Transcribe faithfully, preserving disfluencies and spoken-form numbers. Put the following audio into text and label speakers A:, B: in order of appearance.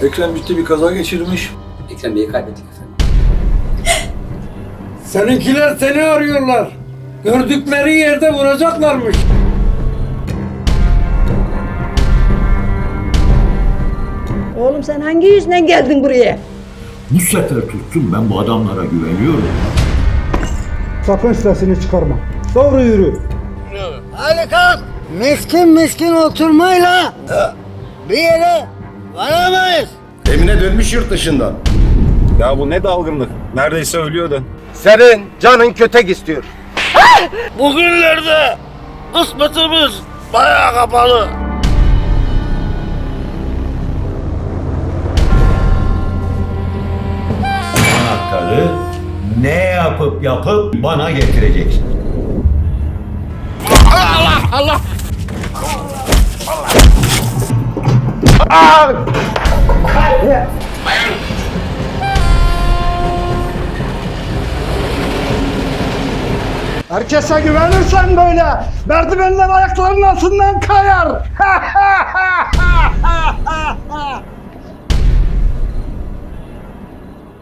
A: Ekrem ciddi bir kaza geçirmiş.
B: Ekrem Bey'i kaybettik efendim.
C: Seninkiler seni arıyorlar. Gördükleri yerde vuracaklarmış.
D: Oğlum sen hangi yüzden geldin buraya?
E: Bu sefer tuttum, ben bu adamlara güveniyorum.
C: Sakın sesini çıkarma. Doğru yürü.
F: Hadi kalk. Miskin miskin oturmayla bir yere varamayız.
G: Emine dönmüş yurt dışından.
H: Ya bu ne dalgınlık? Neredeyse ölüyordu.
I: Senin canın kötek istiyor.
F: Bugünlerde kısmetimiz bayağı kapalı.
E: Anahtarı ne yapıp yapıp bana getireceksin.
C: Herkese güvenirsen böyle merdivenler ayaklarının altından kayar.